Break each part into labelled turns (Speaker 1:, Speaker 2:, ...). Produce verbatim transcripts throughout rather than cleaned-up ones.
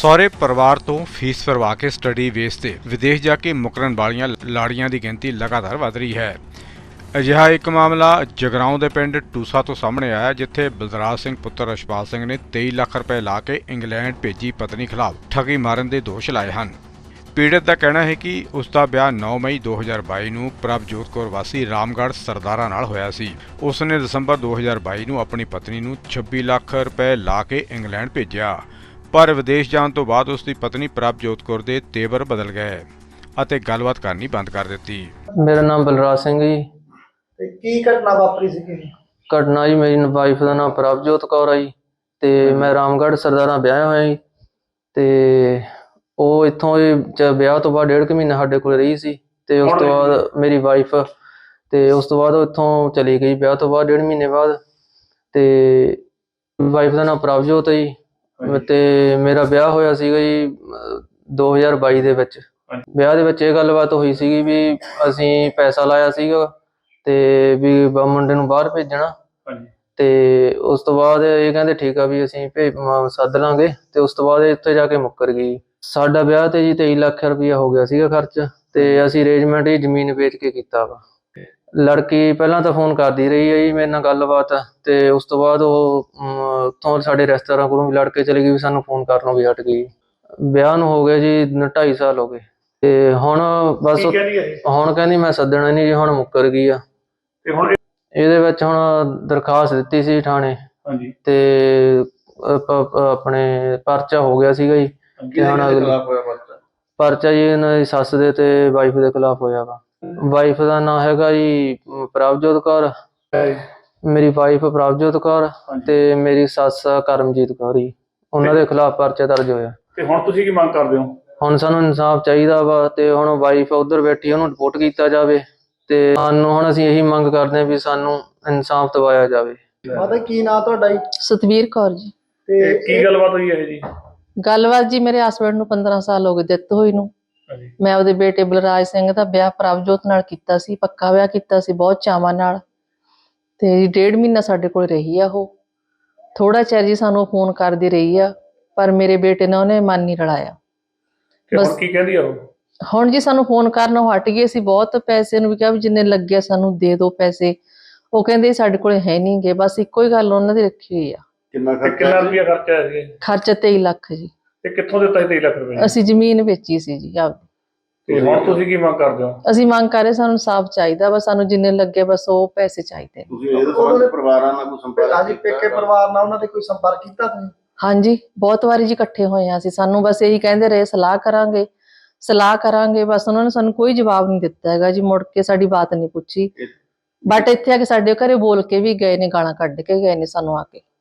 Speaker 1: ਸਹੁਰੇ ਪਰਿਵਾਰ ਤੋਂ ਫੀਸ ਭਰਵਾ ਕੇ ਸਟੱਡੀ ਬੇਸ ਤੇ ਵਿਦੇਸ਼ ਜਾ ਕੇ ਮੁਕਰਨ ਵਾਲੀਆਂ ਲਾੜੀਆਂ ਦੀ ਗਿਣਤੀ ਲਗਾਤਾਰ ਵਧ ਰਹੀ ਹੈ। ਅਜਿਹਾ ਇੱਕ ਮਾਮਲਾ ਜਗਰਾਉਂ ਦੇ ਪਿੰਡ ਟੂਸਾ ਤੋਂ ਸਾਹਮਣੇ ਆਇਆ, ਜਿੱਥੇ ਬਲਰਾਜ ਸਿੰਘ ਪੁੱਤਰ ਰਛਪਾਲ ਸਿੰਘ ਨੇ ਤੇਈ ਲੱਖ ਰੁਪਏ ਲਾ ਕੇ ਇੰਗਲੈਂਡ ਭੇਜੀ ਪਤਨੀ ਖਿਲਾਫ ਠੱਗੀ ਮਾਰਨ ਦੇ ਦੋਸ਼ ਲਾਏ ਹਨ। ਪੀੜਤ ਦਾ ਕਹਿਣਾ ਹੈ ਕਿ ਉਸ ਦਾ ਵਿਆਹ ਨੌ ਮਈ ਦੋ ਹਜ਼ਾਰ ਬਾਈ ਨੂੰ ਪ੍ਰਭਜੋਤ ਕੌਰ ਵਾਸੀ ਰਾਮਗੜ੍ਹ ਸਰਦਾਰਾ ਨਾਲ ਹੋਇਆ ਸੀ। ਉਸ ਨੇ ਦਸੰਬਰ ਦੋ ਹਜ਼ਾਰ ਬਾਈ ਨੂੰ ਆਪਣੀ ਪਤਨੀ ਨੂੰ ਛੱਬੀ ਲੱਖ ਰੁਪਏ ਲਾ ਕੇ ਇੰਗਲੈਂਡ ਭੇਜਿਆ, ਪਰ ਵਿਦੇਸ਼ ਜਾਣ ਤੋਂ ਬਾਅਦ ਉਸ ਦੀ ਪਤਨੀ ਪ੍ਰਭਜੋਤ ਕੌਰ ਦੇ ਤੇਵਰ ਬਦਲ ਗਏ ਅਤੇ ਗੱਲਬਾਤ ਕਰਨੀ ਬੰਦ ਕਰ ਦਿੱਤੀ।
Speaker 2: ਮੇਰਾ ਨਾਮ ਬਲਰਾਜ ਸਿੰਘ ਜੀ।
Speaker 3: ਤੇ ਕੀ ਘਟਨਾ ਵਾਪਰੀ ਸੀ?
Speaker 2: ਘਟਨਾ ਜੀ, ਮੇਰੀ ਵਾਈਫ ਦਾ ਨਾਮ ਪ੍ਰਭਜੋਤ ਕੌਰ ਆ ਜੀ, ਤੇ ਮੈਂ ਰਾਮਗੜ੍ਹ ਸਰਦਾਰਾ ਵਿਆਹਿਆ ਹੋਇਆ ਜੀ। ਤੇ ਉਹ ਇੱਥੋਂ ਵਿਆਹ ਤੋਂ ਬਾਅਦ ਡੇਢ ਕੁ ਮਹੀਨਾ ਸਾਡੇ ਕੋਲ ਰਹੀ ਸੀ, ਤੇ ਉਸ ਤੋਂ ਬਾਅਦ ਮੇਰੀ ਵਾਈਫ ਤੇ ਉਸ ਤੋਂ ਬਾਅਦ ਉਹ ਇੱਥੋਂ ਚਲੀ ਗਈ ਵਿਆਹ ਤੋਂ ਬਾਅਦ ਡੇਢ ਮਹੀਨੇ ਬਾਅਦ। ਤੇ ਵਾਈਫ ਦਾ ਨਾਮ ਪ੍ਰਭਜੋਤ ਹੈ ਜੀ, ਤੇ ਮੇਰਾ ਵਿਆਹ ਹੋਇਆ ਸੀਗਾ ਜੀ ਦੋ ਹਜ਼ਾਰ ਬਾਈ ਦੇ ਵਿੱਚ। ਵਿਆਹ ਦੇ ਵਿੱਚ ਇਹ ਗੱਲਬਾਤ ਹੋਈ ਸੀਗੀ ਵੀ ਅਸੀਂ ਪੈਸਾ ਲਾਇਆ ਸੀਗਾ ਤੇ ਵੀ ਮੁੰਡੇ ਨੂੰ ਬਾਹਰ ਭੇਜਣਾ, ਤੇ ਉਸ ਤੋਂ ਬਾਅਦ ਇਹ ਕਹਿੰਦੇ ਠੀਕ ਆ ਵੀ ਅਸੀਂ ਭੇਜ ਸੱਦ ਲਾਂਗੇ, ਤੇ ਉਸ ਤੋਂ ਬਾਅਦ ਇੱਥੇ ਜਾ ਕੇ ਮੁੱਕਰ ਗਈ। ਸਾਡਾ ਵਿਆਹ ਤੇ ਜੀ ਤੇਈ ਲੱਖ ਰੁਪਇਆ ਹੋ ਗਿਆ ਸੀਗਾ ਖਰਚ, ਤੇ ਅਸੀਂ ਅਰੇਂਜਮੈਂਟ ਹੀ ਜ਼ਮੀਨ ਵੇਚ ਕੇ ਕੀਤਾ ਵਾ। ਲੜਕੀ ਪਹਿਲਾਂ ਤਾਂ ਫੋਨ ਕਰਦੀ ਰਹੀ ਹੈ ਜੀ ਮੇਰੇ ਨਾਲ ਗੱਲਬਾਤ, ਤੇ ਉਸ ਤੋਂ ਬਾਅਦ ਉਹ ਉੱਥੋਂ ਸਾਡੇ ਰਿਸ਼ਤੇਦਾਰਾਂ ਕੋਲੋਂ ਵੀ ਲੜ ਕੇ ਚਲੀ ਗਈ, ਵੀ ਸਾਨੂੰ ਫੋਨ ਕਰਨੋਂ ਵੀ ਹਟ ਗਈ। ਵਿਆਹ ਨੂੰ ਹੋ ਗਏ ਜੀ ਢਾਈ ਸਾਲ ਹੋ ਗਏ, ਤੇ ਹੁਣ ਬਸ ਹੁਣ ਕਹਿੰਦੀ ਮੈਂ ਸੱਦਣਾ ਨਹੀਂ ਜੀ, ਹੁਣ ਮੁੱਕਰ ਗਈ ਆ। ਇਹਦੇ ਵਿੱਚ ਹੁਣ ਦਰਖਾਸਤ ਦਿੱਤੀ ਸੀ ਥਾਣੇ, ਤੇ ਆਪਣੇ ਪਰਚਾ ਹੋ ਗਿਆ ਸੀਗਾ ਜੀ। ਤੇ ਹੁਣ ਪਰਚਾ ਜੀ ਇਹਨਾਂ ਦੀ ਸੱਸ ਦੇ ਤੇ ਵਾਈਫ ਦੇ ਖਿਲਾਫ ਹੋਇਆ ਵਾ। ਵਾਈਫ ਦਾ ਨਾਂ ਹੈਗਾ ਜੀ ਪ੍ਰਭਜੋਤ ਕੌਰ, ਮੇਰੀ ਵਾਈਫ ਪ੍ਰਭਜੋਤ ਕੌਰ, ਤੇ ਮੇਰੀ ਸੱਸ ਕਰਮਜੀਤ ਕੌਰ ਜੀ। ਉਹਨਾਂ ਦੇ ਖਿਲਾਫ ਪਰਚਾ ਦਰਜ ਹੋਇਆ।
Speaker 4: ਤੇ ਹੁਣ ਤੁਸੀਂ ਕੀ ਮੰਗ ਕਰਦੇ ਹੋ?
Speaker 2: ਹੁਣ ਸਾਨੂੰ ਇਨਸਾਫ ਚਾਹੀਦਾ ਵਾ, ਤੇ ਹੁਣ ਵਾਈਫ ਉੱਧਰ ਬੈਠੀ, ਉਹਨੂੰ ਰਿਪੋਰਟ ਕੀਤਾ ਜਾਵੇ, ਤੇ ਸਾਨੂੰ ਹੁਣ ਅਸੀਂ ਇਹੀ ਮੰਗ ਕਰਦੇ ਹਾਂ ਵੀ ਸਾਨੂੰ ਇਨਸਾਫ ਦਿਵਾਇਆ ਜਾਵੇ।
Speaker 3: ਮਾਤਾ ਕੀ ਨਾਂ ਤੁਹਾਡਾ ਜੀ?
Speaker 5: ਸਤਵੀਰ ਕੌਰ ਜੀ।
Speaker 3: ਤੇ
Speaker 4: ਕੀ ਗੱਲਬਾਤ ਹੋਈ ਹੈ ਜੀ?
Speaker 5: ਗੱਲਬਾਤ ਜੀ, ਮੇਰੇ ਹਸਬੈਂਡ ਨੂੰ ਪੰਦਰਾਂ ਸਾਲ ਹੋ ਗਏ ਡੈਥ ਹੋਈ ਨੂੰ। ਮੈਂ ਆਪਦੇ ਬੇਟੇ ਬਲਰਾਜ ਸਿੰਘ ਦਾ ਵਿਆਹ ਪ੍ਰਭਜੋਤ ਨਾਲ ਕੀਤਾ ਸੀ, ਪੱਕਾ ਵਿਆਹ ਕੀਤਾ ਸੀ ਬਹੁਤ ਚਾਵਾਂ ਨਾਲ, ਤੇ ਡੇਢ ਮਹੀਨਾ ਸਾਡੇ ਕੋਲ ਰਹੀ ਆ ਉਹ। ਥੋੜਾ ਚਿਰ ਜੀ ਸਾਨੂੰ ਫੋਨ ਕਰਦੀ ਰਹੀ ਆ, ਪਰ ਮੇਰੇ ਬੇਟੇ ਨੇ ਉਹਨੇ ਮਨ ਨਹੀਂ ਰਲਾਇਆ।
Speaker 4: ਬਸ ਕੀ ਕਹਿੰਦੀ ਆ ਉਹ?
Speaker 5: ਹੁਣ ਜੀ ਸਾਨੂੰ ਫੋਨ ਕਰਨੋਂ ਹਟ ਗਏ। ਅਸੀਂ ਬਹੁਤ ਪੈਸੇ ਨੂੰ ਵੀ ਕਿਹਾ ਵੀ ਜਿੰਨੇ ਲੱਗੇ ਸਾਨੂੰ ਦੇ ਦਿਓ ਪੈਸੇ, ਉਹ ਕਹਿੰਦੇ ਸਾਡੇ ਕੋਲ ਹੈ ਨਹੀਂ ਗੇ। ਬਸ ਇੱਕੋ ਹੀ ਗੱਲ ਉਹਨਾਂ ਦੀ ਰੱਖੀ ਹੋਈ ਆ।
Speaker 4: ਕਿੰਨਾ ਕਿੰਨਾ ਰੁਪਇਆ ਖਰਚਾ ਆਇਆ ਸੀ?
Speaker 5: ਖਰਚਾ ਤੇਈ ਲੱਖ ਜੀ।
Speaker 4: ਤੇ ਕਿੱਥੋਂ ਦਿੱਤਾ ਸੀ ਤੇਈ ਲੱਖ ਰੁਪਏ?
Speaker 5: ਅਸੀਂ ਜ਼ਮੀਨ ਵੇਚੀ ਸੀ ਜੀ ਆਪਦੀ।
Speaker 4: ਤੇ ਹੁਣ ਤੁਸੀਂ ਕੀ ਮੰਗ ਕਰਦੇ ਹੋ?
Speaker 5: ਅਸੀਂ ਮੰਗ ਕਰ ਰਹੇ, ਸਾਨੂੰ ਇਨਸਾਫ ਚਾਹੀਦਾ, ਬਸ ਸਾਨੂੰ ਜਿੰਨੇ ਲੱਗੇ ਬਸ ਉਹ ਪੈਸੇ ਚਾਹੀਦੇ।
Speaker 3: ਤੁਸੀਂ ਇਹਦੇ ਸੰਬੰਧ ਪਰਿਵਾਰਾਂ ਨਾਲ ਕੋਈ ਸੰਪਰਕ? ਹਾਂਜੀ, ਪੇਕੇ ਪਰਿਵਾਰ ਨਾਲ ਉਹਨਾਂ ਦੇ ਕੋਈ ਸੰਪਰਕ ਕੀਤਾ ਤੁਸੀਂ?
Speaker 5: ਹਾਂਜੀ, ਬਹੁਤ ਵਾਰੀ ਜੀ ਇਕੱਠੇ ਹੋਏ ਆ ਅਸੀਂ। ਸਾਨੂੰ ਬਸ ਇਹੀ ਕਹਿੰਦੇ ਰਹੇ ਸਲਾਹ ਕਰਾਂਗੇ ਸਲਾਹ ਕਰਾਂਗੇ, ਬਸ ਉਹਨਾਂ ਨੇ ਸਾਨੂੰ ਕੋਈ ਜਵਾਬ ਨਹੀਂ ਦਿੱਤਾ ਹੈਗਾ ਜੀ। ਮੁੜ ਕੇ ਸਾਡੀ ਬਾਤ ਨਹੀਂ ਪੁੱਛੀ, ਬਟ ਇੱਥੇ ਆ ਕੇ ਸਾਡੇ ਘਰੇ ਬੋਲ ਕੇ ਵੀ ਗਏ ਨੇ, ਗਾਲਾਂ ਕੱਢ ਕੇ ਗਏ ਨੇ ਸਾਨੂੰ ਆ ਕੇ।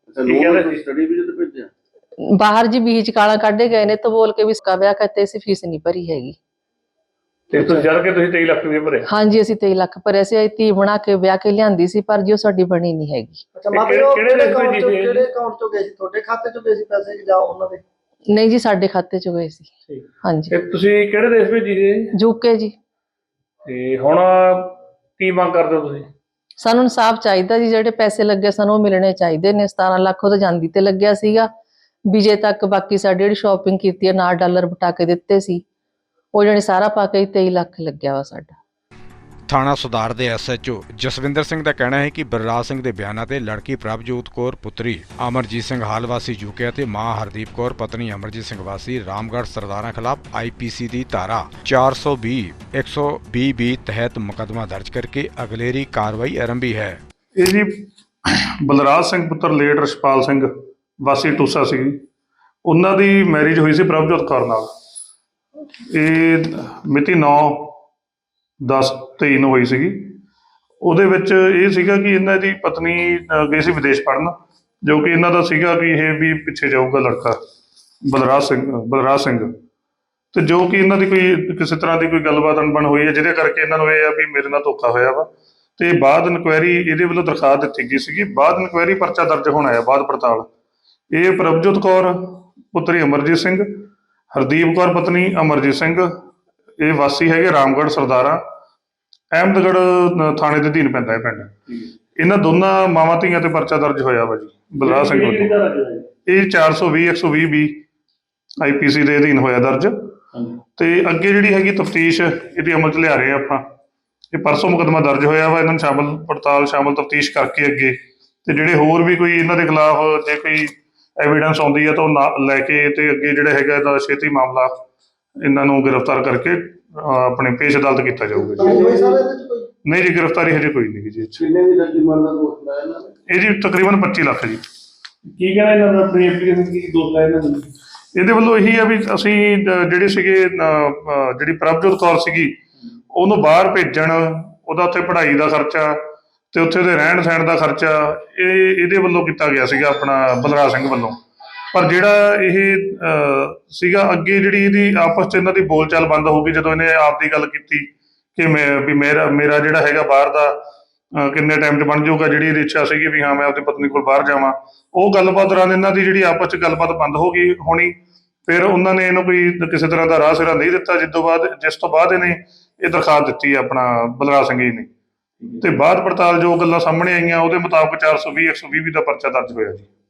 Speaker 5: ਬਾਹਰ ਜੀ ਬੀਚ ਗਾਲਾਂ ਕੱਢੇ ਗਏ ਨੇ, ਤਾਂ ਬੋਲ ਕੇ ਵੀ ਇਸਕਾ ਵਿਆਹ ਕਰਤੇ ਸੀ, ਫੀਸ ਨਹੀਂ ਭਰੀ ਹੈਗੀ।
Speaker 4: ਤੇ ਤੁਸੀਂ ਜਦ ਕੇ ਤੁਸੀਂ ਤੇਈ ਲੱਖ ਰੁਪਏ ਭਰੇ?
Speaker 5: ਹਾਂਜੀ, ਅਸੀਂ ਤੇਈ ਲੱਖ ਭਰੇ ਸੀ। ਧੀ ਬਣਾ ਕੇ ਵਿਆਹ ਕੇ ਲਿਆਂਦੀ ਸੀ, ਪਰ ਜੀ ਉਹ ਸਾਡੀ ਬਣੀ ਨਹੀਂ ਹੈਗੀ।
Speaker 3: ਅੱਛਾ, ਮਤਲਬ ਕਿਹੜੇ ਅਕਾਊਂਟ ਚੋਂ ਕਿਹੜੇ ਅਕਾਊਂਟ ਚੋਂ ਗਏ ਸੀ? ਤੁਹਾਡੇ ਖਾਤੇ ਚੋਂ ਗਏ ਸੀ ਪੈਸੇ ਕਿ ਜਾਂ ਉਹਨਾਂ ਦੇ?
Speaker 5: ਨਹੀਂ ਜੀ, ਸਾਡੇ ਖਾਤੇ ਚ ਗਏ ਸੀ। ਹਾਂਜੀ।
Speaker 4: ਤੇ ਤੁਸੀਂ ਕਿਹੜੇ ਦੇਸ਼ ਭੇਜੀ ਸੀ?
Speaker 5: ਯੂਕੇ ਜੀ।
Speaker 4: ਤੇ ਹੁਣ ਕੀ ਮੰਗ ਕਰਦੇ ਹੋ ਤੁਸੀਂ?
Speaker 5: ਸਾਨੂੰ ਇਨਸਾਫ ਚਾਹੀਦਾ ਜੀ, ਜਿਹੜੇ ਪੈਸੇ ਲੱਗੇ ਸਾਨੂੰ ਉਹ ਮਿਲਣੇ ਚਾਹੀਦੇ ਨੇ। ਸਤਾਰਾਂ ਲੱਖ ਉਹ ਤਾਂ ਜਾਂਦੀ ਤੇ ਲੱਗਿਆ ਸੀਗਾ ਵਿਜੇ ਤੱਕ, ਬਾਕੀ ਸਾਡੀ ਜਿਹੜੀ ਸ਼ਾਪਿੰਗ ਕੀਤੀ ਹੈ ਨਾਲ ਡਾਲਰ ਬਟਾ ਕੇ ਦਿੱਤੇ ਸੀ, ਉਹ ਜਿਹੜੇ ਸਾਰਾ ਪਾ ਕੇ ਤੇਈ ਲੱਖ ਲੱਗਿਆ ਵਾ ਸਾਡਾ।
Speaker 1: ਥਾਣਾ ਸੁਧਾਰ ਦੇ S H O Jaswinder Singh ਦਾ ਕਹਿਣਾ ਹੈ ਕਿ ਬਲਰਾਜ ਸਿੰਘ ਦੇ ਬਿਆਨਾਂ ਤੇ ਲੜਕੀ ਪ੍ਰਭਜੋਤ ਕੌਰ ਪੁੱਤਰੀ ਅਮਰਜੀਤ ਸਿੰਘ ਹਾਲ ਵਾਸੀ ਯੂਕੇ ਅਤੇ ਮਾਂ ਹਰਦੀਪ ਕੌਰ ਪਤਨੀ ਅਮਰਜੀਤ ਸਿੰਘ ਵਾਸੀ ਰਾਮਗੜ੍ਹ ਸਰਦਾਰਾ ਖਿਲਾਫ ਆਈ ਪੀ ਸੀ ਦੀ ਧਾਰਾ ਚਾਰ ਸੌ ਵੀਹ ਇੱਕ ਸੌ ਵੀਹ ਬੀ ਤਹਿਤ ਮੁਕੱਦਮਾ ਦਰਜ ਕਰਕੇ ਅਗਲੇਰੀ ਕਾਰਵਾਈ ਆਰੰਭੀ ਹੈ।
Speaker 6: ਇਹ ਜੀ ਬਲਰਾਜ ਸਿੰਘ ਪੁੱਤਰ ਲੇਟ ਰਛਪਾਲ ਸਿੰਘ ਵਾਸੀ ਟੂਸਾ ਸੀ, ਉਹਨਾਂ ਦੀ ਮੈਰਿਜ ਹੋਈ ਸੀ ਪ੍ਰਭਜੋਤ ਕੌਰ ਨਾਲ। ਇਹ ਮਿਤੀ ਨੌ ਦਸ ਤੇਈ ਨੂੰ ਹੋਈ ਸੀਗੀ। ਉਹਦੇ ਵਿੱਚ ਇਹ ਸੀਗਾ ਕਿ ਇਹਨਾਂ ਦੀ ਪਤਨੀ ਗਈ ਸੀ ਵਿਦੇਸ਼ ਪੜ੍ਹਨ, ਜੋ ਕਿ ਇਹਨਾਂ ਦਾ ਸੀਗਾ ਵੀ ਇਹ ਵੀ ਪਿੱਛੇ ਜਾਊਗਾ ਲੜਕਾ ਬਲਰਾਜ ਸਿੰਘ ਬਲਰਾਜ ਸਿੰਘ ਤੇ ਜੋ ਕਿ ਇਹਨਾਂ ਦੀ ਕੋਈ ਕਿਸੇ ਤਰ੍ਹਾਂ ਦੀ ਕੋਈ ਗੱਲਬਾਤ ਅਣਬਣ ਹੋਈ ਹੈ, ਜਿਹਦੇ ਕਰਕੇ ਇਹਨਾਂ ਨੂੰ ਇਹ ਆ ਵੀ ਮੇਰੇ ਨਾਲ ਧੋਖਾ ਹੋਇਆ ਵਾ। ਤੇ ਬਾਅਦ ਇਨਕੁਆਇਰੀ ਇਹਦੇ ਵੱਲੋਂ ਦਰਖਾਸਤ ਦਿੱਤੀ ਗਈ ਸੀਗੀ, ਬਾਅਦ ਇਨਕੁਆਇਰੀ ਪਰਚਾ ਦਰਜ ਹੋਣਾ ਹੈ ਬਾਅਦ ਪੜਤਾਲ। ਇਹ ਪ੍ਰਭਜੋਤ ਕੌਰ ਪੁੱਤਰੀ ਅਮਰਜੀਤ ਸਿੰਘ, ਹਰਦੀਪ ਕੌਰ ਪਤਨੀ ਅਮਰਜੀਤ ਸਿੰਘ, ਇਹ ਵਾਸੀ ਹੈਗੇ ਰਾਮਗੜ੍ਹ ਸਰਦਾਰਾ, ਅਹਿਮਦਗੜ੍ਹ ਥਾਣੇ ਦੇ ਅਧੀਨ ਪੈਂਦਾ ਹੈ ਪਿੰਡ। ਇਹਨਾਂ ਦੋਨਾਂ ਮਾਵਾਂ ਧੀਆਂ ਤੇ ਪਰਚਾ ਦਰਜ ਹੋਇਆ ਵਾ ਜੀ ਬਲਰਾਜ ਸਿੰਘ ਵੱਲੋਂ। ਇਹ ਚਾਰ ਸੌ ਵੀਹ ਇੱਕ ਸੌ ਵੀਹ ਵੀ ਆਈਪੀਸੀ ਦੇ ਅਧੀਨ ਹੋਇਆ ਦਰਜ। ਤੇ ਅੱਗੇ ਜਿਹੜੀ ਹੈਗੀ ਤਫਤੀਸ਼ ਇਹਦੀ ਅਮਲ 'ਚ ਲਿਆ ਰਹੇ ਆ ਆਪਾਂ। ਇਹ ਪਰਸੋਂ ਮੁਕੱਦਮਾ ਦਰਜ ਹੋਇਆ ਵਾ, ਇਹਨਾਂ ਨੂੰ ਸ਼ਾਮਲ ਪੜਤਾਲ ਸ਼ਾਮਲ ਤਫਤੀਸ਼ ਕਰਕੇ ਅੱਗੇ ਤੇ ਜਿਹੜੇ ਹੋਰ ਵੀ ਕੋਈ ਇਹਨਾਂ ਦੇ ਖਿਲਾਫ ਜੇ ਕੋਈ ਐਵੀਡੈਂਸ ਆਉਂਦੀ ਹੈ ਤਾਂ ਉਹ ਨਾ- ਲੈ ਕੇ ਤੇ ਅੱਗੇ ਜਿਹੜਾ ਹੈਗਾ ਇਹਦਾ ਛੇਤੀ ਮਾਮਲਾ ਇਹਨਾਂ ਨੂੰ ਗ੍ਰਿਫਤਾਰ ਕਰਕੇ ਅਹ, ਆਪਣੇ ਪੇਸ਼ ਅਦਾਲਤ ਕੀਤਾ ਜਾਊਗਾ ਜੀ।
Speaker 3: ਹੋਈ ਸਾਰੇ ਇਹਦੇ ਚ ਕੋਈ
Speaker 6: ਨਹੀਂ ਜੀ, ਗ੍ਰਿਫਤਾਰੀ ਹਜੇ ਕੋਈ ਨਹੀਂ ਜੀ ਇਹ 'ਚ।
Speaker 3: ਕਿੰਨੇ ਦੀ ਲੱਗੀ ਮਰਦਾ ਦੋਸਤ ਲਾਇਆ ਇਹਨਾਂ ਨੇ?
Speaker 6: ਇਹ ਜੀ ਤਕਰੀਬਨ ਪੱਚੀ ਲੱਖ ਜੀ।
Speaker 4: ਕੀ ਕਹਿਣਾ ਇਹਨਾਂ ਦਾ ਆਪਣੀ ਐਪਲੀਕੇਸ਼ਨ ਕੀ ਦੋਸਤ ਲਾਇਆ ਇਹਨਾਂ ਨੇ?
Speaker 6: ਇਹਦੇ ਵੱਲੋਂ ਇਹੀ ਆ ਵੀ ਅਸੀਂ ਅਹ, ਜਿਹੜੇ ਸੀਗੇ ਅਹ, ਅਹ, ਜਿਹੜੀ ਪ੍ਰਭਜੋਤ ਕੌਰ ਸੀਗੀ ਉਹਨੂੰ ਬਾਹਰ ਭੇਜਣ, ਉਹਦਾ ਉੱਥੇ ਪੜ੍ਹਾਈ ਦਾ ਖਰਚਾ ਤੇ ਉੱਥੇ ਉਹਦੇ ਰਹਿਣ ਸਹਿਣ ਦਾ ਖਰਚਾ ਇਹ ਇਹਦੇ ਵੱਲੋਂ ਕੀਤਾ ਗਿਆ ਸੀਗਾ, ਆਪਣਾ ਬਲਰਾਜ ਸਿੰਘ ਵੱਲੋਂ। ਪਰ ਜਿਹੜਾ ਇਹ ਅਹ, ਸੀਗਾ ਅੱਗੇ ਜਿਹੜੀ ਇਹਦੀ ਆਪਸ 'ਚ ਇਹਨਾਂ ਦੀ ਬੋਲਚਾਲ ਬੰਦ ਹੋ ਗਈ ਜਦੋਂ ਇਹਨੇ ਆਪ ਦੀ ਗੱਲ ਕੀਤੀ ਕਿ ਮੈਂ ਵੀ ਮੇਰਾ ਮੇਰਾ ਜਿਹੜਾ ਹੈਗਾ ਬਾਹਰ ਦਾ ਅਹ, ਕਿੰਨੇ ਟਾਈਮ 'ਚ ਬਣ ਜਾਊਗਾ, ਜਿਹੜੀ ਇਹਦੀ ਇੱਛਾ ਸੀਗੀ ਵੀ ਹਾਂ ਮੈਂ ਆਪਣੀ ਪਤਨੀ ਕੋਲ ਬਾਹਰ ਜਾਵਾਂ। ਉਹ ਗੱਲਬਾਤ ਦੌਰਾਨ ਇਹਨਾਂ ਦੀ ਜਿਹੜੀ ਆਪਸ 'ਚ ਗੱਲਬਾਤ ਬੰਦ ਹੋ ਗਈ ਹੋਣੀ। ਫਿਰ ਉਹਨਾਂ ਨੇ ਇਹਨੂੰ ਕੋਈ ਕਿਸੇ ਤਰ੍ਹਾਂ ਦਾ ਰਾਹ ਸਿਰਾ ਨਹੀਂ ਦਿੱਤਾ, ਜਿਸ ਤੋਂ ਬਾਅਦ ਜਿਸ ਤੋਂ ਬਾਅਦ ਇਹਨੇ ਇਹ ਦਰਖਾਸਤ ਦਿੱਤੀ ਆਪਣਾ ਬਲਰਾਜ ਸਿੰਘ ਜੀ ਨੇ। ਤੇ ਬਾਅਦ ਪੜਤਾਲ ਜੋ ਗੱਲਾਂ ਸਾਹਮਣੇ ਆਈਆਂ ਉਹਦੇ ਮੁਤਾਬਕ ਚਾਰ ਸੌ ਵੀਹ ਇੱਕ ਸੌ ਵੀਹ ਦਾ ਪਰਚਾ ਦਰਜ ਹੋਇਆ ਜੀ।